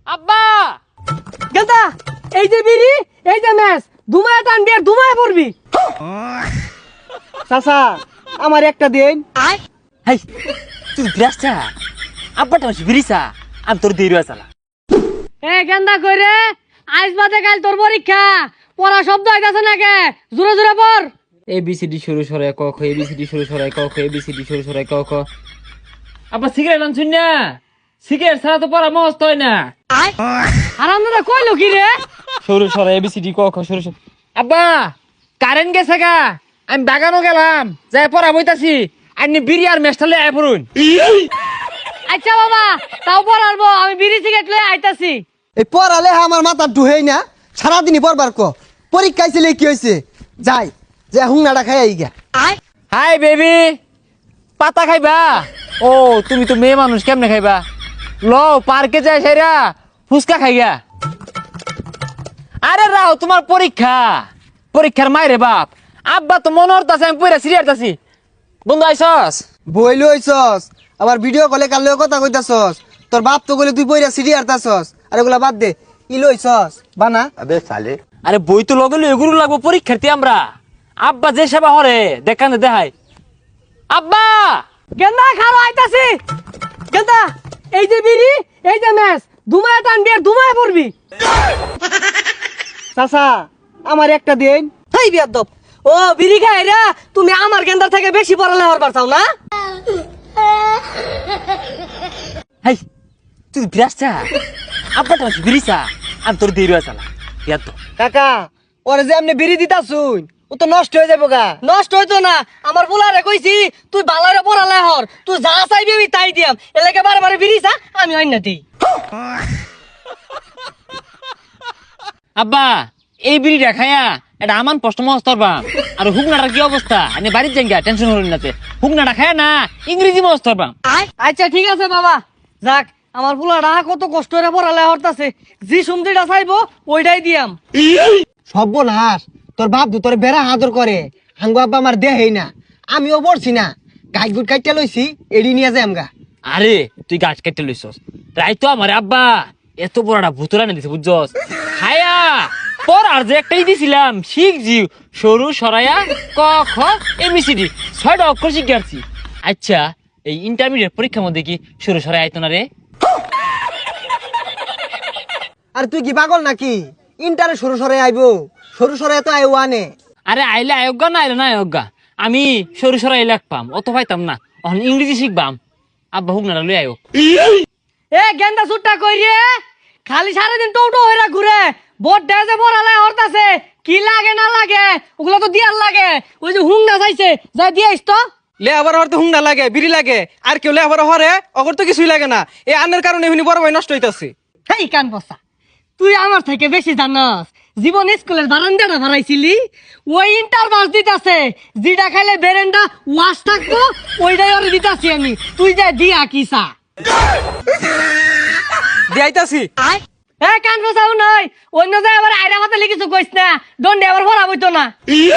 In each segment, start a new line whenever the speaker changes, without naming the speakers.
আব্বা
গেলতা এই যে বিড়ি এই যে ম্যাচ দুমায় টানবি আর দুমায় পড়বি।
চাচা আমার একটা দিন।
হাই তুই বিরাসা আব্বাটা মাসি বিরিসা আমি তোর দেরি চালা।
এ গেন্দা কইরে আজ বাদে কাল তোর পরীক্ষা পড়া শব্দ আইতাছে নাকি জোরে জোরে পড়।
ABCD শুরু সরাই ক খ ABCD শুরু সরাই ক খ ABCD শুরু সরাই ক খ। আব্বা সিগারেট আনছুন না, সিগারেট ছাড়া তো পড়া মস্ত হয় না।
আরামদাদা কইলো কি রে?
শুরু সরাই ABCD ক খ শুরু সরাই। আব্বা কারেন্ট গেছে গা, আমি বাগানও গেলাম যাই পড়া বইতাছি, আপনি বিড়ি আর মেস্টালে আয় পড়ুন।
আচ্ছা বাবা তাও পড়াবো, আমি বিড়ি সিগারেট লয়ে আইতাছি।
এই পড়ালে আমার মাথা ঢুহেই না, সারাদিনই পড়বার ক। পরীক্ষায় ছিল কি হয়েছে, যাই যে হুংনাটা খাই আই গা।
হাই বেবি, পাতা খাইবা? ও তুমি তো মেয়ে মানুষ, কেমনে খাইবা? ল পার্কে যাই সেরা ফুচকা খাইগা। আরে রাও তোমার পরীক্ষা, পরীক্ষার মাইরে বাপ। আব্বা তো মনে হতাছে আমি পড়া সিরিয়াসতাছি। বন্ধু আইসস?
বই লইছস আবার ভিডিও কলে কালেও কথা কইতাছস। তোর বাপ তো কইলে তুই বইরা সিডি আরতাছস। আর এগুলা বাদ দে, ই লইছস বানা।
আরে বই তো লগে লই এগুলো লাগবো পরীক্ষার্থী আমরা। আব্বা যে সেবা হরে দেখানে দেখাই। আব্বা
গেন্দা খালো আইতাছি। গেন্দা এই যে বিড়ি এই যে ম্যাচ দুমায় টানবি আর দুমায় পড়বি।
চাচা আমার একটা দিন।
হেই বিয়াদব, ও বিড়ি খাই রে তুমি আমার গেন্দার থেকে বেশি পড়ালে হরবার চাও না?
হাই তুই বিরাসা আব্বাটা মাসি বিরিসা আমি তোর দেরি চালা। ইয়ার তো
কাকা ওরে যে এমনি বিড়ি দিতাছুন, ও তো নষ্ট হয়ে যাবো গা।
নষ্ট হইতো না, আমার বুলারে কইছি তুই বালারে পড়ালে হর, তুই যা চাইবি আমি তাই দিয়াম। এলাকে বারে বারে বিড়ি চা আমি অন্য দিই।
আব্বা এই বিড়িটা খায়া এটা আমার প্রশ্ন মস্তরবা। আর হুকনাটার কি অবস্থা? আমি বাড়ির জায়গা টেনশন হলেন না, হুকনাটা খায় না ইংরেজি মস্তরবা।
আচ্ছা ঠিক আছে বাবা, যাক আমার বুলারা কত কষ্ট করে পড়ালে হরতাছে, জি সুমদিটা চাইবো ওইটাই দিয়াম।
সর্বনাশ, তোর বাপ তো তোর বেড়া আদর করে, হাঙ্গু আব্বা আমার দেহেই না। আমিও পড়ছি না, গাছ গুট কাইটা লইছি, এড়ি নিয়ে যাই আমগা।
আরে তুই গাছ কেটে লইছস তাই তো আমার আব্বা এত বড়টা ভুতুরা না দিছে বুঝছস। খায়া পর আর যে একটাই দিছিলাম শিখ জিও সরু সরাইয়া ক খ ABCD 6টা অক্ষর শিখে আসছি। আচ্ছা এই ইন্টারমিডিয়েট পরীক্ষার মধ্যে কি সরু সরাই আইতো না রে?
আর তুই কি পাগল নাকি? ইন্টারে সরু সরে আইবো, সরু সরে তো আইও আনে।
আরে আইলে আয়োগা না আইলে না আয়োগা, আমি সরু সরাই পাম অত পাইতাম না, এখন ইংরেজি শিখবাম। আব্বা হুক না লই আয়ো।
এ গেন্দা সুট্টা কই রে, খালি সারাদিন টোটো হইরা ঘুরে, বোট ডেজে পড়ালে হরতাছে, কি লাগে না লাগে ওগুলো তো দিয়ার লাগে। ওই যে হুংনা চাইছে যা দিয়াইস তো।
লে আবার হরতে হুংনা লাগে, বিড়ি লাগে, আর কেউ লে আবার হরে অগর তো কিছুই লাগে না। এই আন্নের কারণে এমনি বড় ভাই নষ্ট হইতাছে।
হেই কান বসা, তুই আমার থেকে বেশি জানাস। জীবন স্কুলের বারান্দাটা ভাড়াইছিলি, ওই ইন্টার বাস দিতাছে, যেটা খাইলে বেরেন্ডা ওয়াশ থাকবো ওইটাই ওরে দিতাছি আমি। তুই যা দিয়া কিসা
দিয়াইতাছি।
এ কান বসাও নয়, অন্য জায়গায় আবার আইরা মাথা লিখিস কইস না, দণ্ডে আবার ভরা বইতো না।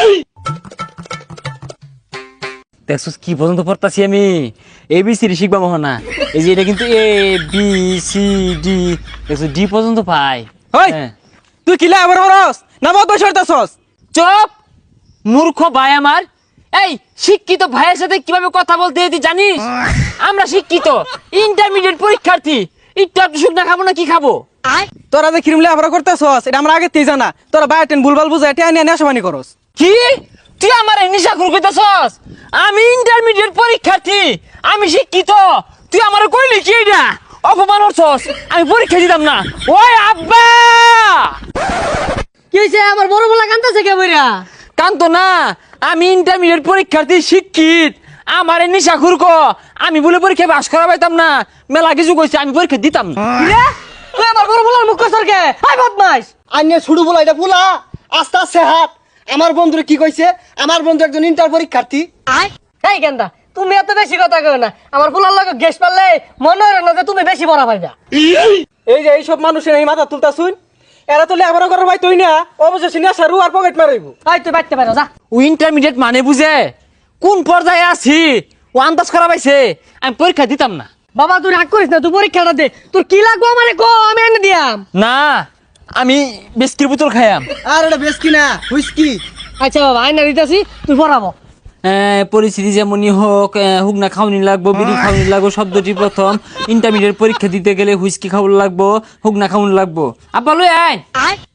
দেখছস কি পর্যন্ত পড়তাছি আমি, ABCD শিখবা মোহনা। এই যে এটা কিন্তু ABCD দেখছো ডি পর্যন্ত পাই।
হই তুই কি লে আবার হরস না মত বসে হরতাছস?
চুপ মূর্খ ভাই আমার। এই শিক্ষিত ভাইয়ের সাথে কিভাবে কথা বলতে হয় তুই জানিস? আমরা শিক্ষিত ইন্টারমিডিয়েট পরীক্ষার্থী, একটু একটু শুকনা খাবো না কি খাবো?
তোরা যে ক্রিম লে আবার করতাছস এটা আমরা আগে তেই জানা। তোরা বায়োটেন ভুলভাল বুঝাই টেনে নিয়ে নেশাবানি করস।
কি তুই আমার নিশা খুর কইতাছস? আমি ইন্টারমিডিয়েট পরীক্ষার্থী, আমি শিক্ষিত, তুই আমার কইলি কি এটা? অপমান করছস, আমি পরীক্ষা দিতাম না। ওই আব্বা
কি হইছে? আমার বড় বলা কান্দাছে কে বইরা?
কান্ত না, আমি ইন্টারমিডিয়েট পরীক্ষার্থী শিক্ষিত, আমার নিশা খুর কো আমি বলে পরীক্ষা পাস করা পাইতাম না। মেলা কিছু কইছে, আমি পরীক্ষা দিতাম না।
রে তুই আমার বড় বলার মুখ সরকে হাই বদমাইশ।
আইনে ছুড়ু বলা এটা ফুলা, আস্তে আস্তে হাত। আমার বন্ধুরে কি কইছে? আমার বন্ধু একজন ইন্টার পরীক্ষার্থী।
এই গেন্দা তুমি এত বেশি কথা কও না, আমার ফুলার লগে গ্যাস পারলে মনে হয় না যে তুমি বেশি বড় পাইবা।
এই যে এইসব মানুষের এই মাথা তুলতাছুন, এরা তো লেবার করার ভাই তুই না অবশেষে নেশা রু আর পকেট মারাইব।
এই তুই বাইতে পারো যা।
ও ইন্টারমিডিয়েট মানে বুঝে কোন পর্যায়ে আছি ও আন্দাজ করা পাইছে, আমি পরীক্ষা দিতাম না।
বাবা তুই রাগ করিস না, তুই পরীক্ষাটা দে। তোর কি লাগবো আমারে কো, আমি এনে দিয়াম।
না আমি বিস্কির বোতল খাইয়াম।
আর এটা বেশ কিনা হুইস্কি।
আচ্ছা বাবা আইনা দিতেছি, তুই পড়াবো।
পরিস্থিতি যেমনই হোক, হুক না খাওয়ানি লাগবো, বিড়ি খাওয়ানি লাগবো। শব্দটি প্রথম ইন্টারমিডিয়েট পরীক্ষা দিতে গেলে হুইস্কি খাওয়ানো লাগবো, হুক না খাওয়ানি লাগবো। আব্বা লই আইন।